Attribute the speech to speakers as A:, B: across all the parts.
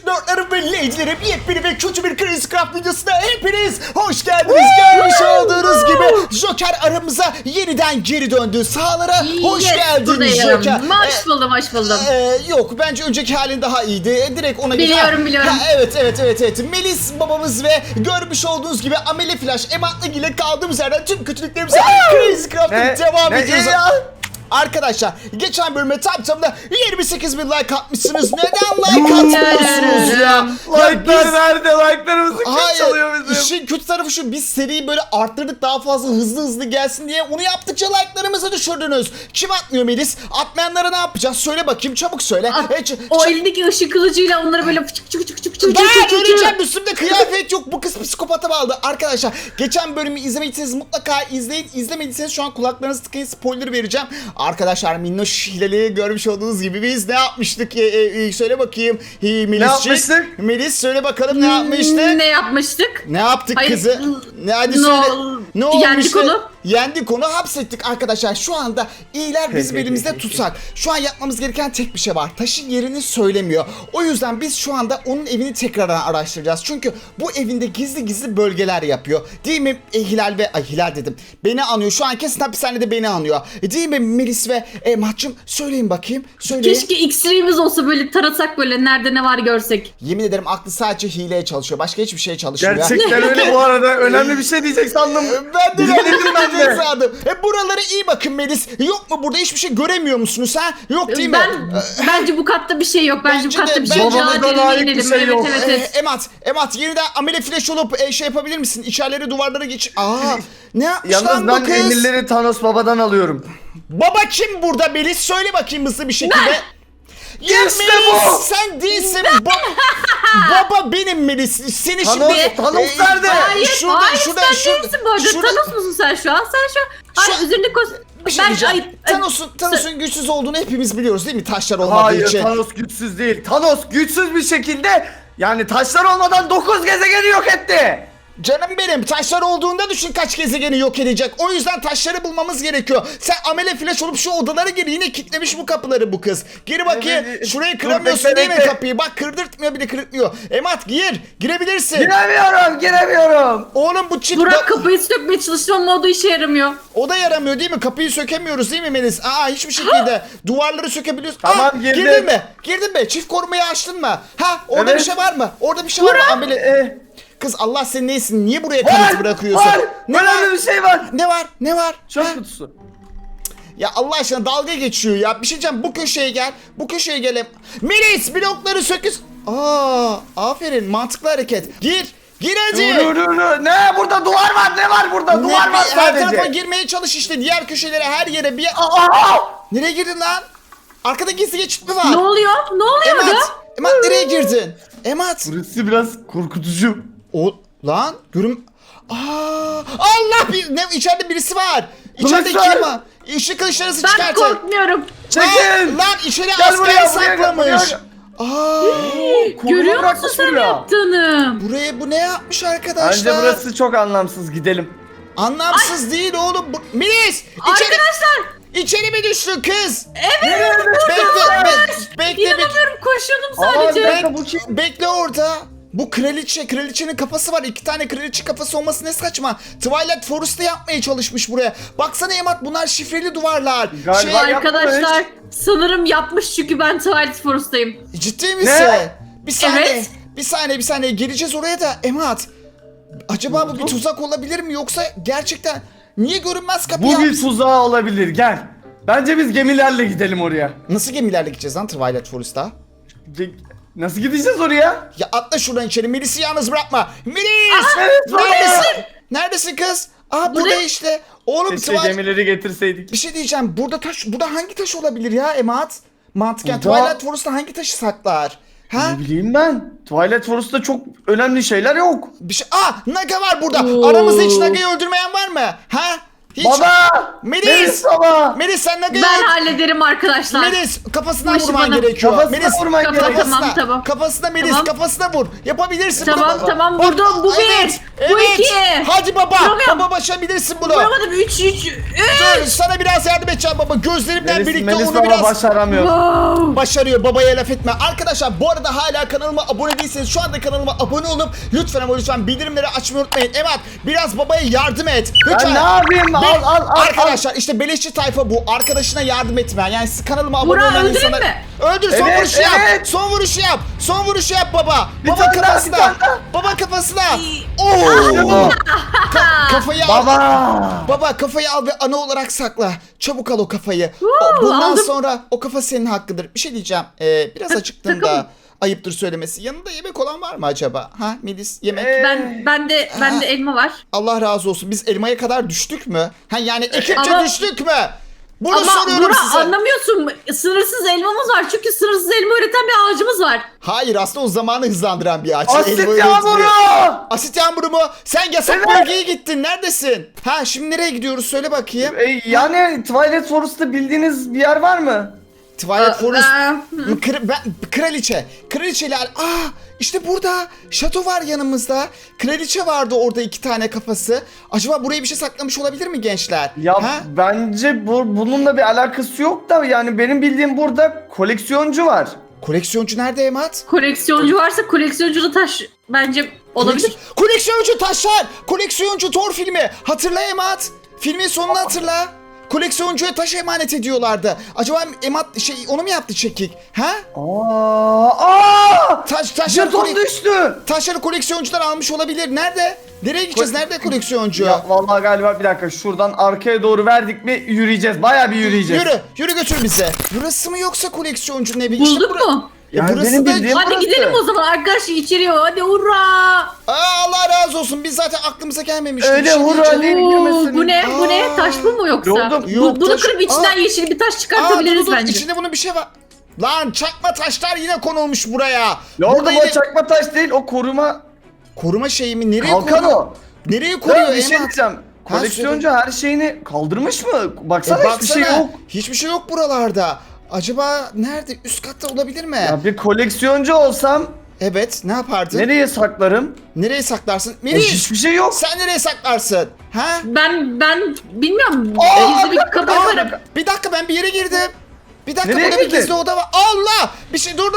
A: Lordlarım ve Lady'lerim, yepyeni ve kötü bir Crazy Craft videosuna hepiniz hoş geldiniz. Görmüş olduğunuz gibi Joker aramıza yeniden geri döndü. Sahalara hoş geldin Joker.
B: Hoş buldum, hoş buldum.
A: Yok, bence önceki halin daha iyiydi. Direkt ona
B: Biliyorum.
A: Evet. Melis babamız ve görmüş olduğunuz gibi Ameli Flash, Ematlı ile kaldığımız yerden tüm kötülüklerimize Crazy Craft'a devam ediyoruz. Arkadaşlar geçen bölüme tamda 28.000 like atmışsınız. Neden like atmıyorsunuz ya?
C: Like'lar nerede? Like'larımızı kim çalıyor bizim?
A: İşin kötü tarafı şu, biz seriyi böyle arttırdık, daha fazla hızlı gelsin diye. Onu yaptıkça like'larımızı düşürdünüz. Kim atmıyor Melis? Atmayanlara ne yapacağız? Söyle bakayım, çabuk söyle.
B: O elindeki ışık kılıcıyla onları böyle çık.
A: Ben öleceğim, üstümde kıyafet yok. Bu kız psikopata bağladı. Arkadaşlar geçen bölümü izlemediyseniz mutlaka izleyin. İzlemediyseniz şu an kulaklarınızı tıkayın, spoiler vereceğim. Arkadaşlar minnoş hileli görmüş olduğunuz gibi biz ne yapmıştık? Söyle bakayım Melis'ciğim.
C: Ne yapmıştık?
A: Melis söyle bakalım, ne yapmıştık?
B: Ne yapmıştık?
A: Ne yaptık
B: Hayır,
A: kızı? Hadi söyle. Ne
B: yendik
A: olmuştu?
B: onu.
A: Yendik onu, hapsettik arkadaşlar. Şu anda iyiler bizim elimizde tutsak. Şu an yapmamız gereken tek bir şey var. Taşın yerini söylemiyor. O yüzden biz şu anda onun evini tekrardan araştıracağız. Çünkü bu evinde gizli bölgeler yapıyor. Değil mi Hilal ve... Ay Hilal dedim. Beni anıyor. Şu an kesin hapishanede beni anıyor. Değil mi Melis ve Mahcım? Söyleyin bakayım. Söyleyin.
B: Keşke X-ray'imiz olsa, böyle tarasak, böyle nerede ne var görsek.
A: Yemin ederim aklı sadece hileye çalışıyor. Başka hiçbir şeye çalışmıyor.
C: Gerçekten öyle bu arada. Önemli bir şey diyecek sandım.
A: Ben de
C: Dinledim ben de.
A: sandım. Buralara iyi bakın Melis. Yok mu burada, hiçbir şey göremiyor musunuz ha? Yok değil mi?
B: Bence bu katta bir şey yok. Bence bu katta bir şey yok.
C: Babamızdan
B: Acele
C: ait bir
B: inelim.
C: şey yok.
B: Evet.
A: Emat yeniden amele flash olup şey yapabilir misin? İçerileri, duvarlara geç. Ne yapmış
C: Yalnız
A: lan bu
C: ben
A: kız?
C: emirleri Thanos babadan alıyorum.
A: Baba kim burada Melis? Söyle bakayım hızlı bir şekilde. Ya
C: İşte
A: Melis,
C: bu.
A: sen değilsin. Baba benim Melis. Seni şimdi...
C: Thanos nerede?
B: Hayır,
A: Şurada,
B: sen değilsin bu arada. Thanos musun sen şu an? Hayır, üzerinde
A: Bir şey diyeceğim. Thanos'un güçsüz olduğunu hepimiz biliyoruz değil mi? Taşlar olmadığı
C: Hayır,
A: için.
C: Thanos güçsüz değil. Thanos güçsüz bir şekilde, yani taşlar olmadan 9 gezegeni yok etti.
A: Canım benim, taşlar olduğunda düşün kaç gezegeni yok edecek. O yüzden taşları bulmamız gerekiyor. Sen amele flash olup şu odalara gir, yine kilitlemiş bu kapıları bu kız. Gir bakayım.
C: Evet,
A: Şurayı
C: dur,
A: kıramıyorsun değil mi
C: bekle.
A: kapıyı? Bak kırdırtmıyor, bir de kırıtmıyor. Emat girebilirsin.
C: Giremiyorum.
A: Oğlum bu çift
B: Burak kapıyı sökmeye çalıştı ama o da işe yaramıyor.
A: o da yaramıyor değil mi? Kapıyı sökemiyoruz değil mi Melis? Hiçbir şekilde. Duvarları sökebiliyoruz.
C: Tamam, girdim.
A: Girdin mi? Girdin mi? Çift korumayı açtın mı? Orada
C: Evet.
A: bir şey var mı? Orada bir şey var mı? Amele... Kız Allah senin neysin? Niye buraya kanıtı bırakıyorsun?
C: Var.
A: Ne var?
C: Önemli bir şey var.
A: Ne var?
C: Çöp kutusu.
A: Ya Allah aşkına dalga geçiyor ya. Bir şey diyeceğim, bu köşeye gel. Bu köşeye gel. Melis blokları söküz. Aferin, mantıklı hareket. Gir hadi.
C: Dur. Ne? Burada duvar var. Ne var burada? Duvar var
A: Her tarafa
C: sadece.
A: girmeye çalış işte. Diğer köşelere, her yere bir... Nereye girdin lan? Arkada gizli geçit mi var?
B: Ne oluyor orada?
A: Emat nereye girdin? Emat.
C: Burası biraz korkutucu.
A: Lan görüm... Allah, içeride birisi var. İçeride
C: Polis var.
A: kim var? Işık kılıçlarınızı
B: Ben
A: çıkartın.
B: korkmuyorum.
C: Çekil.
A: Lan içeri
C: Gel
A: asker
C: buraya,
A: saklamış.
C: gel.
B: Görüyor musun
C: bırakmış
B: sen
C: buraya.
B: yaptığını?
A: Buraya bu ne yapmış arkadaşlar?
C: Bence burası çok anlamsız. Gidelim.
A: Anlamsız değil oğlum. Melis!
B: Arkadaşlar!
A: İçeri mi düştün kız?
B: Evet,
A: Bekle.
B: İnanamıyorum, koşuyordum
C: Aa,
B: sadece.
C: bir dakika, bu kim?
A: Bekle orada. Bu kraliçenin kafası var. 2 tane kraliçe kafası olması ne saçma. Twilight Forest'ı yapmaya çalışmış buraya. Baksana Emat, bunlar şifreli duvarlar.
C: Galiba
B: Arkadaşlar sanırım yapmış, çünkü ben Twilight Forest'tayım.
A: Ciddi misin?
C: Ne?
A: Bir saniye.
B: Evet.
A: Bir saniye. Geleceğiz oraya da Emat. Acaba bu bir tuzak olabilir mi, yoksa gerçekten niye görünmez kapı
C: Bu
A: yapmış?
C: bir tuzağı olabilir. Gel. Bence biz gemilerle gidelim oraya.
A: Nasıl gemilerle gideceğiz lan Twilight Forest'a?
C: Nasıl gideceğiz oraya?
A: Ya atla şuradan içeri. Melis'i yalnız bırakma. Melis!
C: Evet,
A: Neredesin? Neredesin kız? Burada
B: Buraya-
A: işte. Oğlum
C: Keşke gemileri getirseydik.
A: bir şey diyeceğim. Burada hangi taş olabilir ya Emat? Mantıken
C: Burada-
A: Twilight Forest'ta hangi taşı saklar? Ha?
C: Ne bileyim ben. Twilight Forest'ta çok önemli şeyler yok.
A: Bir şey. Naga var burada.
B: Oo.
A: Aramızda hiç Naga'yı öldürmeyen var mı? Ha? Hiç.
C: Baba!
A: Melis!
C: baba!
A: Melis sen ne
B: Ben hallederim arkadaşlar.
A: Melis kafasına
B: Bu işi
A: vurman
B: bana-
A: gerekiyor.
C: Kafasına
A: Melis
C: vurman gerekiyor.
A: kafasına.
B: Tamam.
A: Kafasına Melis
B: Tamam.
A: kafasına vur. Yapabilirsin
B: Tamam,
A: bunu.
B: tamam,
A: Bak,
B: vurdum. Bu
A: evet,
B: bir, bu
A: evet.
B: iki.
A: Hadi baba.
B: Vuramıyorum.
A: Baba başarabilirsin bunu.
B: Vuramadım 3.
A: Dur, sana biraz yardım edeceğim baba. Gözlerimden birlikte
C: Melis
A: onu
C: baba
A: biraz
C: başaramıyor.
B: Wow.
A: başarıyor. Babaya laf etme. Arkadaşlar bu arada hala kanalıma abone değilseniz şu anda kanalıma abone olup lütfen ama lütfen bildirimleri açmayı unutmayın. Emat biraz babaya yardım et. Lütfen.
C: Ben ne yapayım? Al.
A: Arkadaşlar işte beleşçi tayfa bu. Arkadaşına yardım etme. Yani siz kanalıma abone
B: Burak,
A: olan
B: öldüreyim
A: insanlar...
B: mi?
A: Öldür son
C: Evet,
A: vuruşu yap.
C: evet.
A: Son vuruşu yap. Son vuruşu yap baba.
C: Bir
A: Baba
C: tane daha,
A: kafasına.
C: bir tane daha.
A: Baba kafasına.
C: İşte bu.
A: Kafayı al.
C: Baba!
A: Baba kafayı al ve ana olarak sakla. Çabuk al o kafayı.
B: Woo,
A: Bundan
B: aldım.
A: sonra o kafa senin hakkıdır. Bir şey diyeceğim. Biraz acıktım da
B: takım.
A: ayıptır söylemesi. Yanında yemek olan var mı acaba? Ha Melis yemek.
B: Ben de elma var.
A: Allah razı olsun. Biz elmaya kadar düştük mü? Ha yani ekipçe
B: Ama-
A: düştük mü? Bunu
B: Ama
A: soruyorum
B: Burak
A: size.
B: anlamıyorsun. Sınırsız elmamız var. Çünkü sınırsız elma üreten bir ağacımız var.
A: Hayır aslında o zamanı hızlandıran bir ağaç.
C: Asit
A: Elma
C: yağmuru!
A: üretmiyor. Asit yağmuru mu? Sen yasak
C: Evet.
A: bölgeye gittin. Neredesin? Ha şimdi nereye gidiyoruz? Söyle bakayım.
C: Yani Twilight Forest'ta bildiğiniz bir yer var mı?
A: Twilight Forest.
B: Hı.
A: Kraliçe. Kraliçeler. İşte burada. Şato var yanımızda. Kraliçe vardı orada 2 tane kafası. Acaba buraya bir şey saklamış olabilir mi gençler?
C: Ya
A: Ha?
C: bence bununla bir alakası yok da yani benim bildiğim burada koleksiyoncu var.
A: Koleksiyoncu nerede Emat?
B: Koleksiyoncu varsa koleksiyoncu da taş bence olabilir.
A: Koleksiyoncu taşlar. Koleksiyoncu Thor filmi. Hatırla Emat. Filmin sonunu hatırla. Koleksiyoncuya taş emanet ediyorlardı. Acaba Emat onu mu yaptı çekik? Ha? Taşları,
C: Jeton düştü.
A: taşları koleksiyoncular almış olabilir. Nerede? Nereye gideceğiz? Nerede koleksiyoncu?
C: Ya vallahi galiba bir dakika şuradan arkaya doğru verdik mi yürüyeceğiz. Bayağı bir yürüyeceğiz.
A: Yürü götür bize. Burası mı yoksa koleksiyoncunun evi?
B: Bulduk
A: bura-
B: mu?
C: Yani
A: burası
C: benim
A: da-
C: bildiğim
B: Hadi
C: burası.
B: gidelim o zaman arkadaşlar içeriye. Hadi hurra.
A: Allah razı olsun. Biz zaten aklımıza gelmemişti.
C: Öyle
A: Bir şey
C: hurra
A: diyeceğim.
C: değil.
B: Oo, bu ne? Bu ne?
A: Aa.
B: Taş bu mu yoksa?
C: Yoldum.
A: Yok,
B: Bunu
A: taş-
B: kırıp içinden yeşil bir taş çıkartabiliriz
A: dur,
B: bence.
A: İçinde bunun bir şey var. Lan çakma taşlar yine konulmuş buraya.
C: Yok
A: Burada
C: o
A: yine
C: çakma taş değil o koruma
A: koruma şeyi mi? Nereye
C: kalkan
A: koruyor?
C: o.
A: Nereye koruyor
C: Ya bir şey
A: Emat?
C: diyeceğim. Koleksiyoncu her şeyini kaldırmış mı? Baksana hiçbir şey
A: Baksana,
C: yok.
A: Hiçbir şey yok buralarda. Acaba nerede? Üst katta olabilir mi?
C: Ya bir koleksiyoncu olsam
A: Evet, ne yapardın?
C: nereye saklarım?
A: Nereye saklarsın?
C: Ya
A: Melis,
C: hiçbir şey yok.
A: sen nereye saklarsın? Ha?
B: Ben bilmiyorum.
C: Aa,
B: Gizli bir kapı
A: Aa,
B: yaparım.
A: bir dakika ben bir yere girdim. Bir dakika
C: Nereye
A: burada bir
C: girdin?
A: gizli oda var. Allah! Bir şey dur.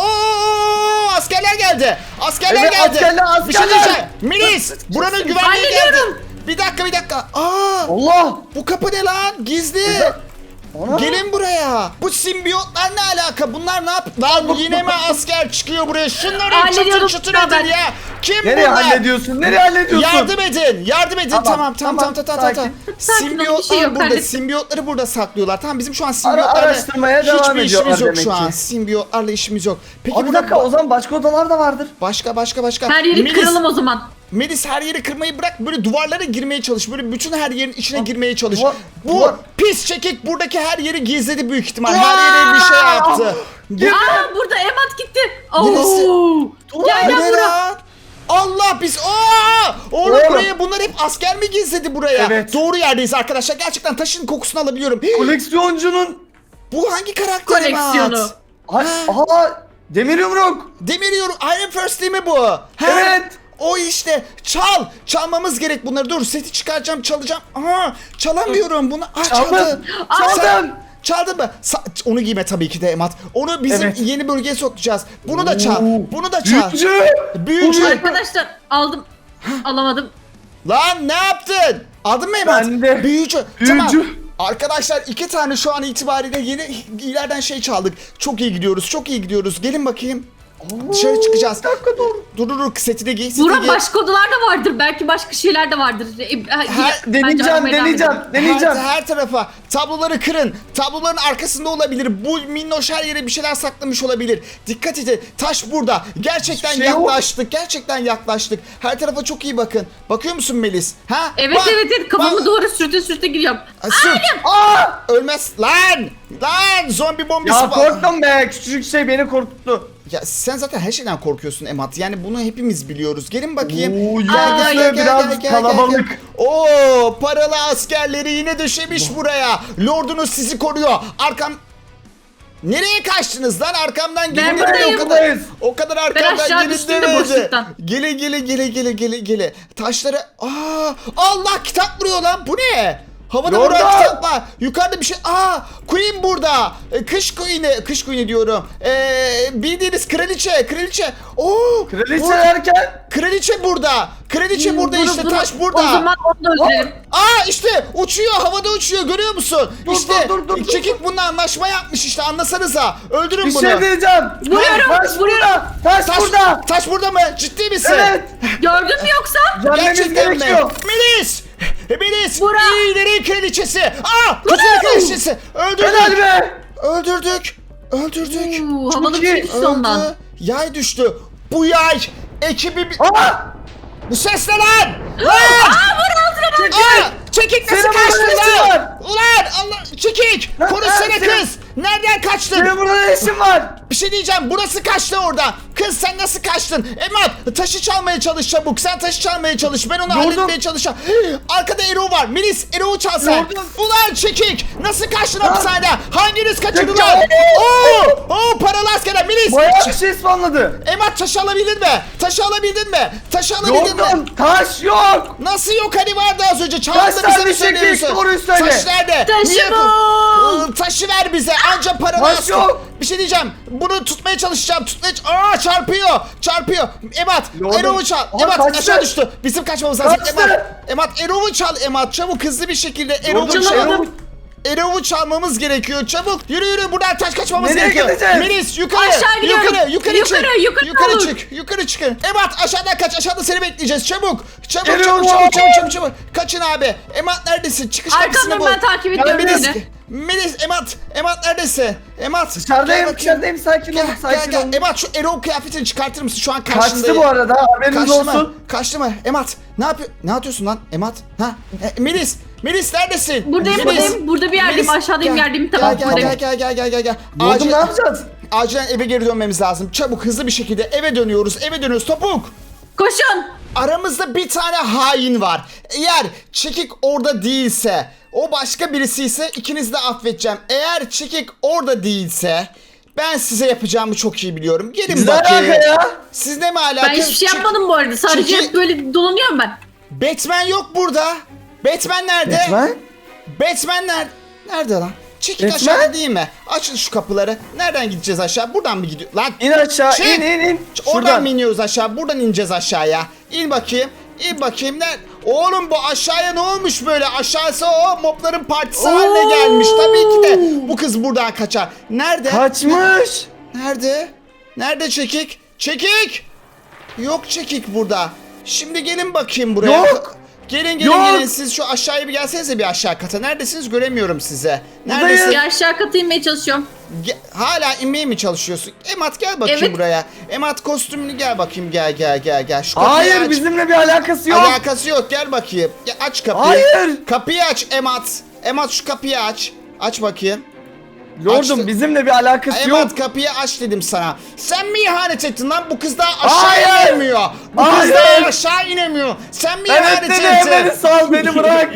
A: Oo, askerler geldi. Askerler
C: Evet,
A: geldi.
C: askerler.
A: Bir şey diyeceğim. Melis, buranın güvenliği geldi.
B: Hallediyorum.
A: Bir dakika.
C: Allah!
A: Bu kapı ne lan? Gizli.
C: Ana!
A: Gelin buraya. Bu simbiyotlar ne alaka? Bunlar ne yap? Lan yine mi asker çıkıyor buraya? Şunları
B: Hallediyorum.
A: çıtır
B: Tamam,
A: edin
B: ben-
A: ya. Kim
C: Nereye
A: bunlar?
C: hallediyorsun? Nereye hallediyorsun?
A: Yardım edin. Tamam.
C: Tamam, sakin.
B: Sakin ol, bir şey yok,
A: burada.
B: hallettim.
A: Simbiyotları burada saklıyorlar. Tamam bizim şu an simbiyotlarla
C: Araştırmaya devam
A: hiçbir
C: ediyorlar
A: işimiz yok
C: demek
A: şu an.
C: ki.
A: Simbiyotlarla işimiz yok. Peki
C: Abi bir
A: burada
C: dakika o zaman başka odalar da vardır.
A: başka.
B: Her yeri
A: Melis,
B: kıralım o zaman.
A: Melis her yeri kırmayı bırak, böyle duvarlara girmeye çalış. Böyle bütün her yerin içine girmeye çalış. Bu
C: duvar-
A: pis çekik buradaki her yeri gizledi büyük ihtimal. Her yere bir şey yaptı.
B: Aa burada Emat gitti.
A: Neresi?
B: Oo. Gel
A: Bu ne
B: Burak.
A: lan? Allah biz oğlum
C: Oğlum.
A: buraya bunlar hep asker mi gizledi buraya?
C: Evet.
A: Doğru yerdeyiz arkadaşlar. Gerçekten taşın kokusunu alabiliyorum.
C: Koleksiyoncunun
A: Bu hangi karakter
B: Koleksiyonu.
A: Emat?
C: Ay, aha demir yumruk.
A: Demiriyorum. Iron First değil mi bu? Ha?
C: Evet.
A: O işte. Çalmamız gerek bunları. Dur seti çıkaracağım, çalacağım. Çalamıyorum bunu.
C: Çaldım.
A: Çaldım. Çaldın mı? Onu giyme tabii ki de Emat. Onu bizim
C: Evet.
A: yeni bölgeye sokacağız. Bunu da çal.
C: Oo.
A: Bunu da çal. Büyücü.
B: Arkadaşlar aldım. Alamadım.
A: Lan ne yaptın? Aldın mı Emat?
C: Ben de.
A: Büyücü.
C: Büyücü.
A: Tamam. Arkadaşlar 2 tane şu an itibariyle yeni ileriden şey çaldık. Çok iyi gidiyoruz. Gelin bakayım. Dışarı çıkacağız.
C: Bir dakika dur.
A: Dur seti de giy.
B: Burak başka odalar da vardır. Belki başka şeyler de vardır.
C: Deneyeceğim.
A: Her tarafa tabloları kırın. Tabloların arkasında olabilir. Bu minnoş her yere bir şeyler saklamış olabilir. Dikkat edin. Taş burada. Gerçekten
C: Hiçbir şey yok.
A: yaklaştık. Her tarafa çok iyi bakın. Bakıyor musun Melis? Ha?
B: Evet
A: Bak,
B: evet kafamı
A: bak.
B: doğru sürte giriyorum.
A: Sırt. Ölmez. Lan zombi bombisi
C: Ya
A: var.
C: korktum be. Küçücük şey beni korkuttu.
A: Ya sen zaten her şeyden korkuyorsun Emat. Yani bunu hepimiz biliyoruz. Gelin bakayım.
C: Oo,
B: Aa,
C: yalnız biraz kalabalık.
A: Oo, paralı askerleri yine döşemiş buraya. Lordunuz sizi koruyor. Nereye kaçtınız lan? Arkamdan gelin
B: buradayım.
A: demedi o kadar.
C: Buradayız.
A: O kadar
B: Ben
A: arkamdan
B: aşağı
A: gelin
B: düştüm de
A: demedi.
B: boşluktan.
A: Gele. Taşları. Allah, kitap vuruyor lan. Bu ne? Havada
C: Lordum.
A: vuran kitap var. Yukarıda bir şey. Queen burada. Kış Queen'i diyorum. Bildiğiniz kraliçe. Oo.
C: Kraliçe derken
A: Kraliçe burada. Kraliçe burada işte. Taş burada.
B: O zaman onu da öldürelim.
A: İşte uçuyor, havada uçuyor, görüyor musun?
C: Dur,
A: işte
C: dur.
A: Çekik bununla anlaşma yapmış işte, anlasanıza. Öldürün
C: bir
A: bunu.
C: şey diyeceğim.
B: Vuruyorum,
C: Taş burada. Taş burada.
A: Taş burada mı? Ciddi misin?
C: Evet.
B: Gördün mü yoksa?
C: Gelmemiz
A: Gerçekten mi?
C: gerekiyor.
A: Melis!
B: Bura.
A: İyilerin kraliçesi! Kötülerin kraliçesi!
C: Helal be.
A: Öldürdük!
B: Havalı bir şey düştü ondan.
A: Öldü. Yay düştü. Bu yay ekibi... Bu ses ne lan? Çekik nasıl
C: Senin burada
A: kaçtı
C: ne işin
A: lan?
C: var?
A: Ulan Allah, Çekik! Konuşsana
C: senin-
A: kız! Nereden kaçtın?
C: Senin burada ne işin var?
A: Bir şey diyeceğim, burası kaçtı orada. Kız sen nasıl kaçtın? Emat, taşı çalmaya çalış çabuk. Sen taşı çalmaya çalış. Ben onu
C: Lordum.
A: halletmeye çalışacağım. Arkada Erol var. Melis, Erol'u çal sen.
C: Lordum.
A: Ulan Çekik! Nasıl kaçtın hapishaneden? Hanginiz kaçırdı
C: Çekik.
A: lan? Oo, paralı askerler. Melis!
C: Bayağı bir şey ısmarladı.
A: Emat, taşı alabildin mi? Taşı alabildin mi?
C: Yordum. Taş yok.
A: Nasıl yok, hani vardı az önce? Çaldın
C: Taş
A: da bize
C: nerede
A: mi
C: Çekik?
A: söylüyorsun?
C: Doğruyu söyle.
A: Taş nerede?
B: Taşı
A: Niye-
B: bul.
A: Taşı ver bize, anca paralı
C: Taş
A: asker.
C: yok.
A: Bir şey diyeceğim, bunu tutmaya çalışacağım. Çarpıyor. Emat,
C: Lordum.
A: Erol'u çal.
C: Aha,
A: Emat
C: kaçtı.
A: aşağı düştü. Bizim kaçmamız lazım.
C: Kaçtı.
A: Emat, Erol'u çal. Emat, çabuk hızlı bir şekilde Erol'u
C: Lordum,
A: çal. Erol'u çalmamız gerekiyor. Çabuk. Yürü. Buradan taş kaçmamız
C: Nereye
A: gerekiyor.
C: gideceğiz?
A: Melis yukarı.
B: Aşağı gidiyorum.
A: Yukarı
B: Yukarı
A: çık. Yukarı çıkın. Emat aşağıdan kaç. Aşağıda seni bekleyeceğiz. Çabuk.
C: Erol.
A: Çabuk. Kaçın abi. Emat neredesin? Çıkış kapısını
B: Arkamdan
A: bul.
B: ben takip ediyorum
A: Melis.
B: seni.
A: Melis, Emat neredesin? Emat.
C: Dışarıdayım,
A: gel bakayım.
C: dışarıdayım. Sakin ol, sakin ol.
A: Emat, şu Erol kıyafetini çıkartır mısın? Şu an karşındayım.
C: Kaçtı bu arada, haberiniz olsun.
A: Kaçtı mı? Emat, ne atıyorsun lan? Emat, Melis neredesin?
B: Buradayım,
A: Melis.
B: burada bir yerdeyim,
A: Melis,
B: aşağıdayım,
A: gel.
B: yerdeyim, tamam, buradayım.
A: Gel.
C: Lordum, ne yapacağız?
A: Acilen eve geri dönmemiz lazım. Çabuk, hızlı bir şekilde eve dönüyoruz. Topuk.
B: Koşun.
A: Aramızda bir tane hain var. Eğer Çekik orada değilse, o başka birisi ise ikinizi de affedeceğim. Eğer Çekik orada değilse, ben size yapacağımı çok iyi biliyorum. Gelin
C: Ne
A: bakayım.
C: alaka ya?
A: Sizle mi alaka?
B: Ben hiçbir şey yapmadım bu arada. Sadece
A: Çünkü-
B: hep böyle dolanıyorum ben.
A: Batman yok burada. Batman nerede? Batman nerede? Nerede lan? Çekik
C: Batman?
A: aşağıda değil mi? Açın şu kapıları. Nereden gideceğiz aşağı? Buradan mı gidiyor? Lan
C: İn aşağı,
A: Şey,
C: in.
A: oradan
C: Şuradan.
A: mı iniyoruz aşağı? Buradan ineceğiz aşağıya. İn bakayım. Oğlum bu aşağıya ne olmuş böyle? Aşağısı o mobların partisi haline gelmiş. Tabii ki de bu kız buradan kaçar. Nerede?
C: Kaçmış.
A: Nerede Çekik? Çekik! Yok Çekik burada. Şimdi gelin bakayım buraya.
C: Yok.
A: Gelin siz şu aşağıya bir gelsenize, bir aşağı kata. Neredesiniz? Göremiyorum size. Neredesin?
B: Bir aşağı kata inmeye çalışıyorum.
A: Hala inmeye mi çalışıyorsun? Emat gel bakayım
B: Evet.
A: buraya. Emat kostümünü gel bakayım, gel. Şu kapıyı
C: Hayır,
A: aç.
C: bizimle bir alakası yok.
A: Alakası yok, gel bakayım. Ya, aç kapıyı.
C: Hayır.
A: Kapıyı aç Emat. Emat şu kapıyı aç. Aç bakayım.
C: Lordum,
A: Açtı.
C: bizimle bir alakası yok.
A: Emat kapıyı aç dedim sana. Sen mi ihanet ettin lan? Bu kız daha aşağı
C: Hayır.
A: inemiyor. Bu kız
C: Hayır.
A: daha aşağı inemiyor. Sen mi ihanet
C: Evet dedi, beni
A: ettin?
C: sal, beni bırak.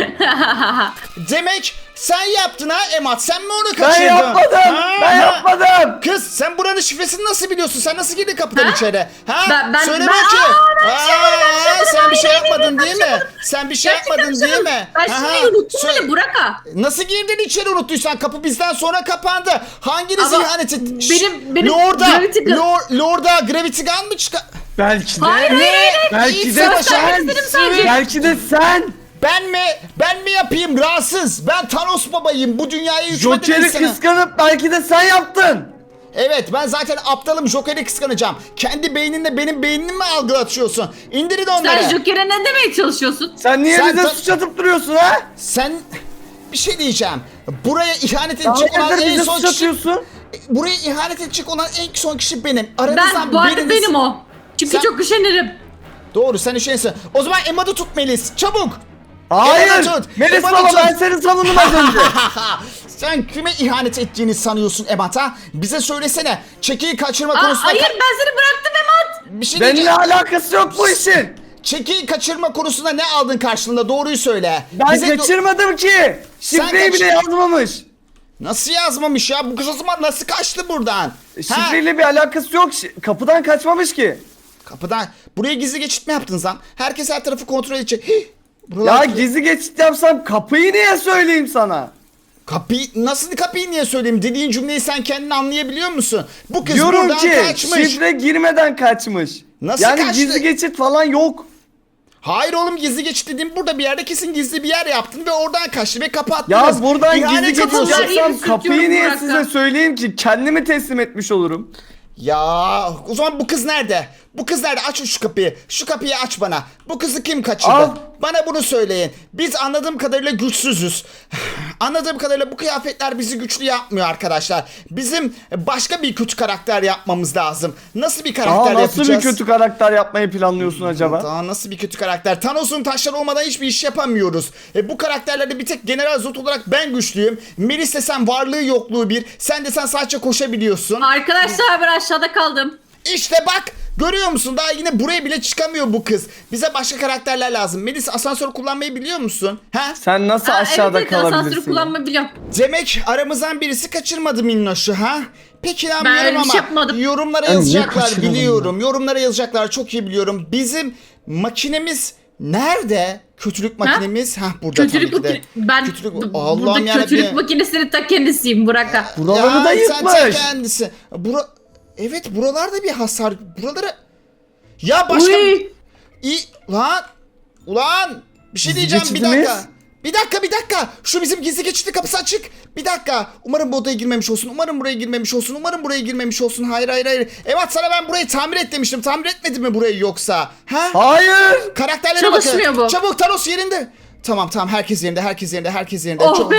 A: Demek sen yaptın ha Emat. Sen mi onu
C: Ben
A: kaçırdın?
C: yapmadım.
A: Ha?
C: Ben yapmadım.
A: Kız sen buranın şifresini nasıl biliyorsun? Sen nasıl girdin kapıdan
B: Ha?
A: içeri? Ha?
B: Ben-
A: Söyle
B: ben-
A: bakayım.
B: ben bir şey yapmadım,
A: Sen bir şey
B: hayır,
A: yapmadın
B: ben
A: değil
B: bir şey
A: mi? Sen bir şey yapmadın değil mi?
B: Ben
A: Aha.
B: şimdi unuttum
A: Söyle-
B: bile, Burak ha.
A: Nasıl girdin içeri unuttuysan? Kapı bizden sonra kapandı. Hanginiz
B: Ama
A: ihanet etti?
B: benim Gravity Gun-
A: Lord'a Gravity Gun mı çıkar?
C: Belki de.
B: Hayır.
C: Belki
A: İyi
C: de
A: savaş
C: sen.
B: istedim sadece.
C: Belki de sen.
A: Ben mi yapayım rahatsız? Ben Thanos babayım. Bu dünyaya hükmeden
C: Joker'i
A: insanım.
C: kıskanıp belki de sen yaptın.
A: Evet, ben zaten aptalım, Joker'i kıskanacağım. Kendi beyninle benim beynimi mi algılatıyorsun? İndirin onları.
B: Sen Joker'e ne demeye çalışıyorsun?
C: Sen niye
A: Sen
C: bize
A: ta-
C: suç atıp duruyorsun ha?
A: Sen bir şey diyeceğim. Buraya ihanet edecek olan
C: Hayırdır
A: en
C: bize
A: son
C: suç
A: kişi...
C: atıyorsun?
A: Buraya ihanet edecek olan en son kişi benim. Aranızdan
B: Ben bu arada
A: biriniz...
B: benim o. Çünkü
A: Sen-
B: çok üşenirim.
A: Doğru, sen üşenirsin. O zaman Emad'ı tut Melis. Çabuk.
C: Hayır.
A: Ebat'ı tut.
C: Melis
A: Ebat'ı
C: baba
A: tut.
C: ben seni savundum az önce.
A: Sen kime ihanet ettiğini sanıyorsun Ebat ha? Bize söylesene. Çekiyi kaçırma konusunda...
B: Hayır ben seni bıraktım Emat.
A: Bir şey
C: Benimle
A: diyeceğim.
C: alakası yok bu işin.
A: Çekiyi kaçırma konusunda ne aldın karşılığında? Doğruyu söyle.
C: Ben
A: Bize
C: kaçırmadım ki. Şifreyi bile yazmamış.
A: Nasıl yazmamış ya? Bu kız o zaman nasıl kaçtı buradan? Ha?
C: Şifreyle bir alakası yok. Kapıdan kaçmamış ki.
A: Kapıdan. Buraya gizli geçit mi yaptınız lan? Herkes her tarafı kontrol edecek. Hih!
C: Ya
A: Buralar...
C: gizli geçit yapsam kapıyı niye söyleyeyim sana?
A: Kapıyı niye söyleyeyim? Dediğin cümleyi sen kendin anlayabiliyor musun? Bu kız
C: Diyorum
A: buradan
C: ki
A: kaçmış.
C: şifre girmeden kaçmış.
A: Nasıl
C: yani
A: kaçtı?
C: gizli geçit falan yok.
A: Hayır oğlum, gizli geçit dediğim burada bir yerde kesin gizli bir yer yaptın ve oradan kaçtı ve kapattınız.
C: Ya buradan
A: İhanet
C: gizli geçit
A: ediyorsun.
B: kapıları
C: yapsam
B: yeri
C: kapıyı
B: sürtüyorum
C: niye
B: Burak'a.
C: size söyleyeyim ki? Kendimi teslim etmiş olurum.
A: Ya o zaman bu kız nerede? Bu kız nerede? Aç şu kapıyı. Şu kapıyı aç bana. Bu kızı kim kaçırdı?
C: Al.
A: Bana bunu söyleyin. Biz anladığım kadarıyla güçsüzüz. Anladığım kadarıyla bu kıyafetler bizi güçlü yapmıyor arkadaşlar. Bizim başka bir kötü karakter yapmamız lazım. Nasıl bir karakter
C: Nasıl
A: yapacağız?
C: bir kötü karakter yapmayı planlıyorsun acaba?
A: Daha nasıl bir kötü karakter? Thanos'un taşları olmadan hiçbir iş yapamıyoruz. Bu karakterlerde bir tek General Zod olarak ben güçlüyüm. Melis desen varlığı yokluğu bir. Sen desen sadece koşabiliyorsun.
B: Arkadaşlar ben aşağıda kaldım.
A: İşte bak, görüyor musun? Daha yine buraya bile çıkamıyor bu kız. Bize başka karakterler lazım. Melis, asansör kullanmayı biliyor musun? Ha?
C: Sen nasıl aşağıda
B: evet, asansörü
C: kalabilirsin?
B: kullanmayı biliyorum.
A: Demek aramızdan birisi kaçırmadı Minnoş'u ha? Peki inanmıyorum
B: öyle bir
A: ama
B: şey yapmadım.
A: yorumlara
C: Ben niye
A: yazacaklar
C: kaçıralım
A: biliyorum. Yorumlara yazacaklar, çok iyi biliyorum. Bizim makinemiz nerede? Kötülük makinemiz. Ha burada
B: Kötülük
A: tabii ki de.
B: makine... Ben
A: Kötülük...
B: burada
A: Allah'ım yarabbim.
B: kötülük makinesinin ta kendisiyim Burak'a.
C: Buraları da
A: Sen ta
C: yıkmış.
A: kendisi. Evet, buralarda bir hasar. Buralara... Ya başka...
B: Uy.
A: Lan! Ulan! Bir şey
C: Gizli
A: diyeceğim, bir
C: geçitimiz?
A: dakika. Bir dakika. Şu bizim gizli geçitli kapısı açık. Bir dakika. Umarım bu odaya girmemiş olsun. Umarım buraya girmemiş olsun. Umarım buraya girmemiş olsun. Hayır. Evet, sana ben burayı tamir et demiştim. Tamir etmedi mi burayı yoksa? Ha?
C: Hayır.
A: Karakterlere
B: Çalışmıyor
A: bakın.
B: bu.
A: Çabuk, Thanos yerinde. Tamam, herkes yerinde.
B: Oh
A: Çok-
B: be.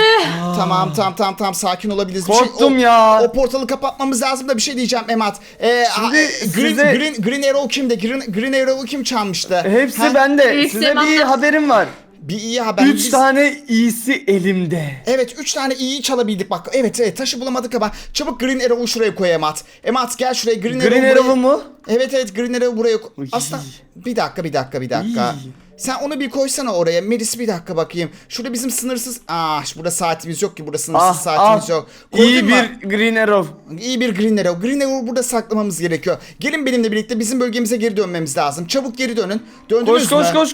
A: Tamam, sakin olabiliriz.
C: Korktum ya.
A: O portalı kapatmamız lazım da bir şey diyeceğim Emat.
C: Şimdi
A: Green Arrow kimdi? Green Arrow'u kim çalmıştı?
C: Hepsi
A: Ha?
C: bende.
B: Hepsi
C: Size bir
B: bende.
C: haberim var.
A: Bir iyi haber.
C: 3 tane iyisi elimde.
A: Evet, 3 tane iyi çalabildik bak. Evet, taşı bulamadık ama çabuk Green Arrow'u şuraya koy Emat. Emat gel şuraya, Green
C: Green
A: Arrow'u
C: Arrow'u
A: buraya...
C: mu?
A: Evet, Green Arrow'u buraya koy.
C: Uy.
A: Aslında bir dakika.
C: İyi.
A: Sen onu bir koysana oraya. Melis, bir dakika bakayım. Şurada bizim sınırsız... burada saatimiz yok ki. Burada sınırsız saatimiz yok. Koydun
C: İyi
A: mu?
C: bir Green Arrow.
A: İyi bir Green Arrow. Green Arrow'u burada saklamamız gerekiyor. Gelin benimle birlikte bizim bölgemize geri dönmemiz lazım. Çabuk geri dönün. Döndünüz
C: Koş,
A: mü?
C: koş.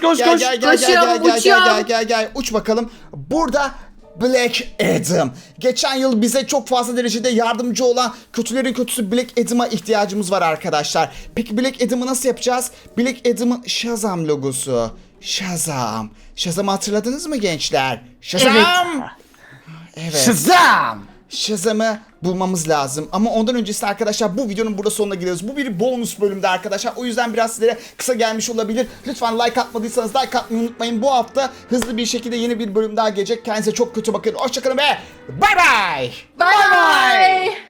A: Gel. Uç bakalım. Burada Black Adam. Geçen yıl bize çok fazla derecede yardımcı olan kötülerin kötüsü Black Adam'a ihtiyacımız var arkadaşlar. Peki Black Adam'ı nasıl yapacağız? Black Adam'ın Shazam logosu. Shazam. Shazam'ı hatırladınız mı gençler? Shazam! Evet.
C: Shazam!
A: Shazam'ı bulmamız lazım. Ama ondan öncesi arkadaşlar, bu videonun burada sonuna geliyoruz. Bu bir bonus bölümde arkadaşlar. O yüzden biraz sizlere kısa gelmiş olabilir. Lütfen like atmadıysanız like atmayı unutmayın. Bu hafta hızlı bir şekilde yeni bir bölüm daha gelecek. Kendinize çok kötü bakın. Hoşçakalın ve bay bay.
B: Bye bye.